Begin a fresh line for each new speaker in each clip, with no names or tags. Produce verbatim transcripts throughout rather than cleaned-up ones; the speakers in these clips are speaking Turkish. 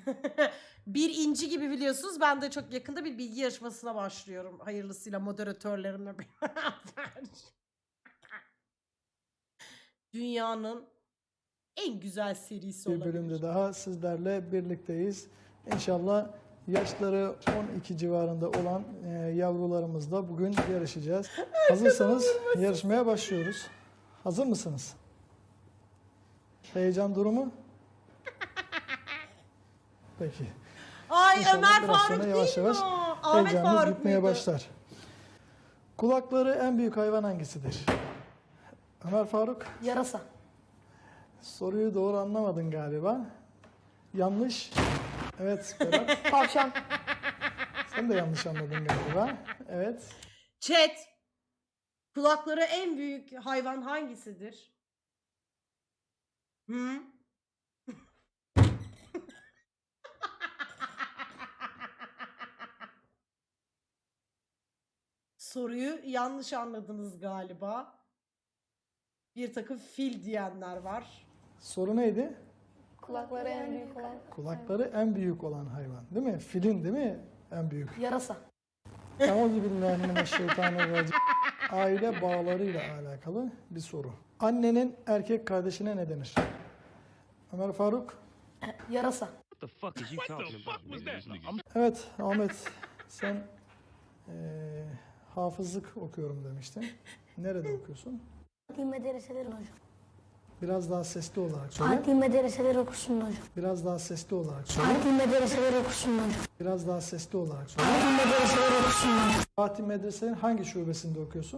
Bir inci gibi biliyorsunuz. Ben de çok yakında bir bilgi yarışmasına başlıyorum. Hayırlısıyla moderatörlerimle beraber. Dünyanın en güzel serisi
Bir
olabilir.
bölümde daha sizlerle birlikteyiz. İnşallah yaşları on iki civarında olan e, yavrularımızla bugün yarışacağız. Hazırsanız yarışmaya başlıyoruz. Hazır mısınız? Heyecan durumu? Peki.
Ay
İnşallah
Ömer
biraz
Faruk
sonra
değil
yavaş
mi
yavaş
o? Ahmet
heyecanımız
Faruk
gitmeye
muydu?
başlar. Kulakları en büyük hayvan hangisidir? Ömer Faruk,
Yarasa.
soruyu doğru anlamadın galiba. Yanlış. Evet Berat,
Tavşan.
sen de yanlış anladın galiba. Evet.
Chat. Kulakları en büyük hayvan hangisidir? Hı? Soruyu yanlış anladınız galiba. Bir takım fil diyenler var.
Soru neydi?
Kulakları en büyük olan.
Kulakları en büyük olan hayvan. Değil mi? Filin değil mi? En büyük.
Yarasa.
Euzubillahimineşşeytanirracim. Aile bağlarıyla alakalı bir soru. Annenin erkek kardeşine ne denir? Ömer Faruk.
Yarasa.
What the fuck is you talking about, nigga? This nigga- I'm
Evet Ahmet, sen eee, hafızlık okuyorum demiştin. Nerede okuyorsun?
Adli medreseler hocam.
Biraz daha sesli olarak söyle.
Adli medreseler okusun hocam.
Biraz daha sesli olarak söyle.
Adli medreseler okusun hocam.
Biraz daha sesli olarak söyle.
Adli medreseler okusun hocam.
Fatih Medrese'nin hangi şubesinde okuyorsun?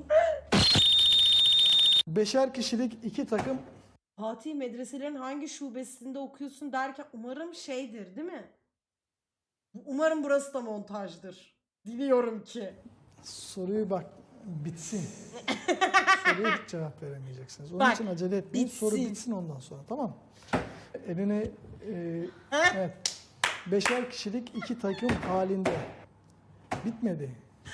Beşer kişilik iki takım
Fatih medreselerin hangi şubesinde okuyorsun derken umarım şeydir değil mi? Umarım burası da montajdır. Diliyorum ki.
soruyu bak bitsin. Soruya hiç cevap veremeyeceksiniz. Onun
Bak,
için acele etmeyin. Soru
bitsin.
bitsin ondan sonra, tamam mı? Elini e, evet. Beşer kişilik iki takım halinde. Bitmedi.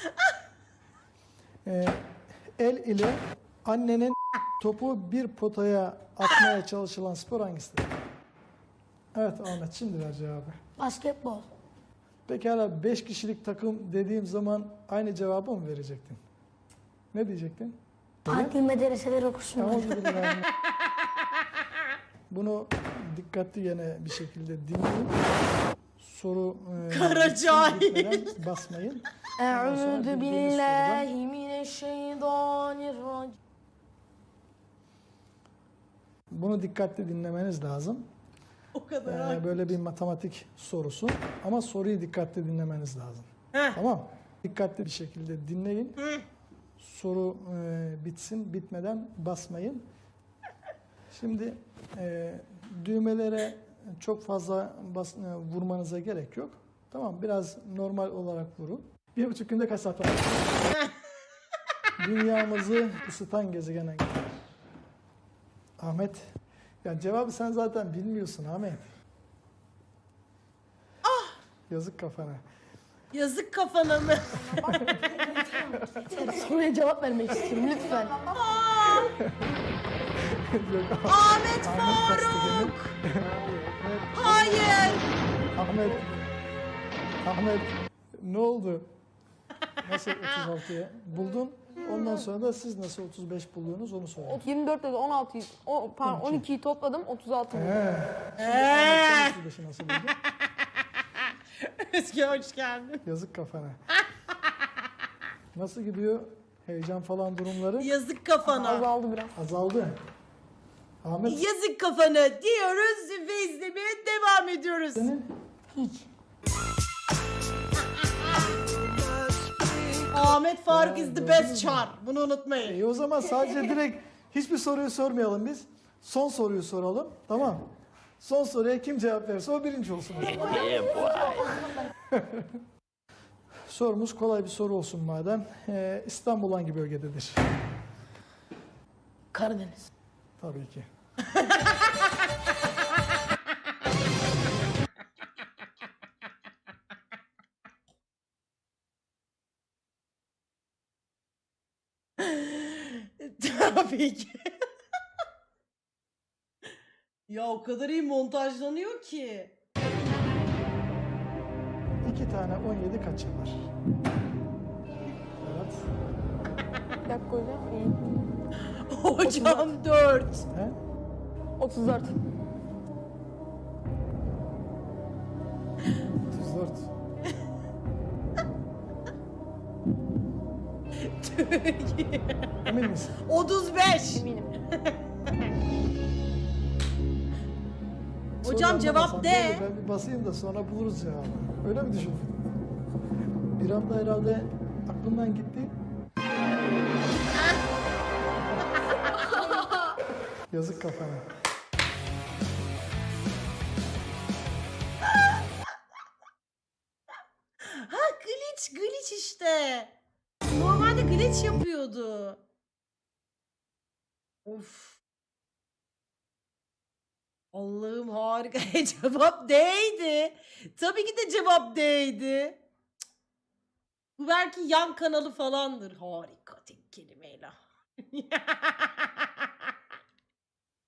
E, el ile annenin topu bir potaya atmaya çalışılan spor hangisidir? Evet Ahmet, şimdi ver cevabı.
Basketbol.
Pekala, beş kişilik takım dediğim zaman aynı cevabı mı verecektin? Ne diyecektin?
Adli medreseler okusun hocam.
Euzubillahimineşşeytanirracim. Bunu dikkatli yine bir şekilde dinleyin. Soru e,
Kara
bitsin,
cahil.
bitmeden basmayın. Ondan sonra
Eûzü
bildiğiniz
billahi mineşşeytanirracim.
Bunu dikkatli dinlemeniz lazım.
O kadar.
Ee,
haklı.
böyle bir matematik sorusu. Ama soruyu dikkatli dinlemeniz lazım.
Heh.
Tamam. Dikkatli bir şekilde dinleyin. Soru e, bitsin, bitmeden basmayın. Şimdi e, düğmelere çok fazla bas, e, vurmanıza gerek yok. Tamam, biraz normal olarak vurun. Bir buçuk günde kaç saat var? Dünyamızı ısıtan gezegen hangisi? Ahmet. Ya cevabı sen zaten bilmiyorsun Ahmet. Yazık kafana.
Yazık kafana mı?
Soruya cevap vermek istiyorum lütfen.
Yok,
Ahmet
Ahmet kastı
Faruk.
beni.
Hayır.
Ahmet. Ahmet. Ne oldu? Nasıl otuz altıya buldun? Ondan sonra da siz nasıl otuz beş buldunuz onu söyleyin.
yirmi dört dedi on altıyı, o, pardon on ikiyi topladım otuz altı buldum.
He.
Eee.
Sen otuz beşi nasıl buldun?
Özge hoş geldin.
Yazık kafana. Nasıl gidiyor? Heyecan falan durumları
Yazık kafana.
Azaldı biraz.
azaldı. Ahmet
Yazık kafana diyoruz ve izlemeye devam ediyoruz.
senin
Hiç.
Ahmet Faruk
Ya,
is the
gördünüz
best
mü?
char. Bunu unutmayın.
İyi, o zaman sadece direkt hiçbir soruyu sormayalım biz. Son soruyu soralım. Tamam. Son soruya kim cevap verirse o birinci olsun. o zaman. Sorumuz kolay bir soru olsun madem. Ee, İstanbul hangi bölgededir?
Karadeniz.
Tabii ki.
Tabii ki. Ya o kadar iyi montajlanıyor ki.
iki tane on yedi kaç yapar? Evet.
Bir dakika hocam. İyi.
Hocam dört.
He?
otuz dört.
otuz dört. Emin misin?
otuz beş.
Eminim.
Hocam
Soru
cevap
anlamasan
D.
böyle Ben bir basayım da sonra buluruz cevabı. Öyle mi düşündün? Bir anda herhalde aklımdan gitti. Yazık kafana.
Ha glitch glitch işte. Normalde glitch yapıyordu. Of. Allah'ım harika. Cevap D'ydi. Tabii ki de cevap D'ydi. Cık. Bu belki yan kanalı falandır. Harika tek kelimeyle.